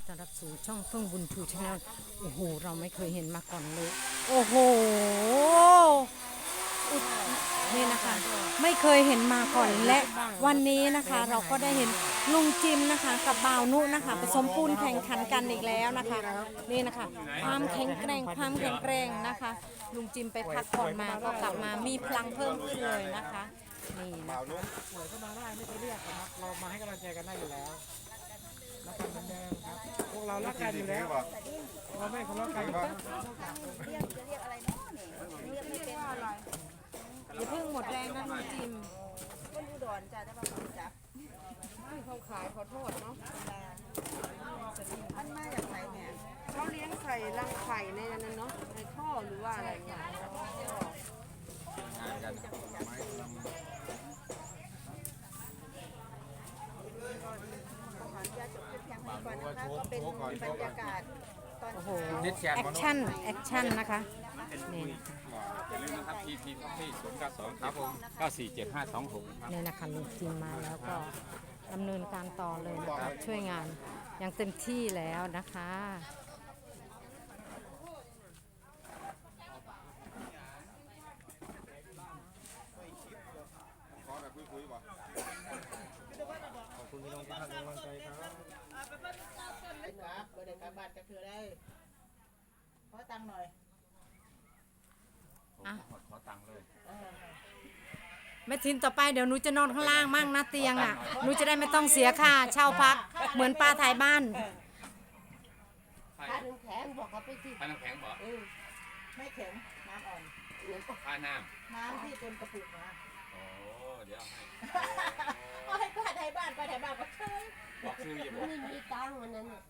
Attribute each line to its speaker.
Speaker 1: ต้อนรับสู่ช่องเฟื่องบุญชูชาแนลโอ้โหเราไม่เคยเห็นมาก่อนเลยโอ้โหนี่นะคะไม่เคยเห็นมาก่อนและวันนี้นะคะเราก็ได้เห็นลุงจิมนะคะกับบ่าวนุนะคะผสมปูนแข่งขันกันอีกแล้วนะคะนี่นะคะความแข็งแกร่งนะคะลุงจิมไปพักผ่อนมาก็กลับมามีพลังเพิ่มขึ้นเลยนะคะนี่นะคะ
Speaker 2: ป่วยก็มาได้ไม่ไปเรียกนะครับเรามาให้กำลังใจกันได้อยู่แล้วรักกันเหมือนเดิมครับพวกเรารักกันอยู่แล้วเราไม่ทะเลาะกันครับ
Speaker 1: อย่าเพิ่งหมดแรงนะลุงจิม
Speaker 3: คนอุดรจ้ะจะมาคนจับ
Speaker 4: เขาขายขอโทษเนาะ
Speaker 3: มันมาจากไหนเนี่ย
Speaker 4: เขาเลี้ยงไข่รังไข่ในนั้นเนาะในท่อหรือว่าอะไรเนี่ย
Speaker 3: ขออนุญาตจบคลิปเพียงเท่านี้ก่อนนะคะก็เป็นบรรยากาศตอน
Speaker 1: โอ้โห
Speaker 3: เช้า
Speaker 1: แอคชั่นนะคะนี่
Speaker 5: อย่าลืมนะครับ PP Coffee 092ครับผม9475526ครับ
Speaker 1: นี่นะคะลุงจิมมาแล้วก็ดำเนินการต่อเลยนะคะช่วยงานอย่างเต็มที่แล้วนะคะ
Speaker 2: ขอบคุณพี่น้องที่ให้กำลังใจครับ
Speaker 3: ครับเดี๋ยวกลับบ้านจะคือได้ขอตังค์หน่อย
Speaker 5: ขอตังค์เลย
Speaker 1: แม่ทินต่อไปเดี๋ยวหนูจะนอนข้างล่างมั่งนะเตียงอ่ะหนูจะได้ไม่ต้องเสียค่าเช่าพักเหมือนป้าถ่ายบ้าน
Speaker 4: ถ้าน้ำแข็งบอกเขาไปสิ
Speaker 5: ค่าน้ำแข็งบ่
Speaker 3: ไม่แข็งน้ำอ่อน
Speaker 5: ค่าน้
Speaker 3: น้ำที่เป็นกระปุกมา
Speaker 5: ำโอ้เดี๋ยวให้
Speaker 3: เอาให้ป้าไทยบ้านก็เชย
Speaker 5: บอกชื่ออย่าบอก
Speaker 4: ไม่มีตังค์วันนั้นน่ะ